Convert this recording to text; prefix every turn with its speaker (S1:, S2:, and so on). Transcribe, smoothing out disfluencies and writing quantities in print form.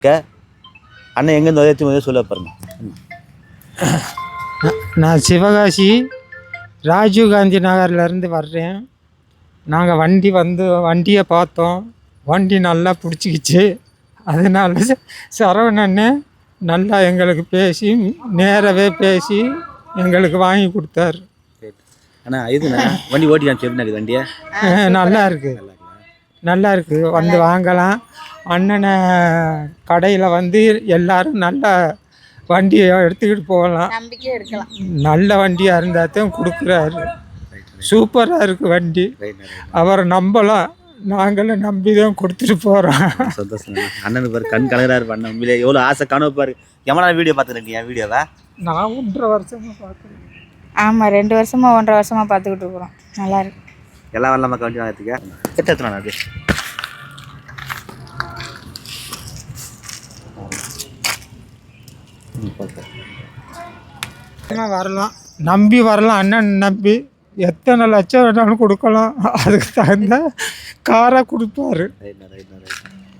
S1: அண்ணன் எங்கேருந்து உதயத்து சொல்ல பாருங்க.
S2: நான் சிவகாசி ராஜீவ்காந்தி நகர்லேருந்து வர்றேன். நாங்கள் வண்டியை பார்த்தோம். வண்டி நல்லா பிடிச்சிக்கிச்சு. அதனால சரவணன்னு நல்லா எங்களுக்கு நேரவே பேசி எங்களுக்கு வாங்கி கொடுத்தாரு.
S1: அண்ணா இதுண்ணா வண்டி ஓட்டி எப்படி வண்டியை
S2: நல்லா இருக்குது வந்து வாங்கலாம். அண்ணனை கடையில் எல்லோரும் நல்லா வண்டியை எடுத்துக்கிட்டு போகலாம். நல்ல வண்டியாக இருந்தால் தான் கொடுக்குறாரு. சூப்பராக இருக்குது வண்டி. அவரை நம்பலாம். நாங்களும் நம்பி தான் கொடுத்துட்டு போகிறோம்.
S1: சந்தோஷம். அண்ணனுக்கு பாரு கண் கலராக இருப்பா. அண்ணன் உண்மையிலே எவ்வளோ ஆசை கனவு பாரு. எவ்வளோ வீடியோ பார்த்துருக்கீங்க என் வீடியோவா?
S2: நான் 1.5 வருஷமாக பார்க்குறேன்.
S3: ஆமாம், 2 வருஷமாக 1.5 வருஷமாக பார்த்துக்கிட்டு இருக்கிறோம். நல்லாயிருக்கு.
S1: எல்லாம் வரலாமா வண்டி வாங்கிறதுக்கு? எத்தனை அது
S2: வரலாம், நம்பி வரலாம். அண்ணன் நம்பி எத்தனை லட்சம் வேணாலும் கொடுக்கலாம். அதுக்கு தகுந்த காரை கொடுப்பாரு.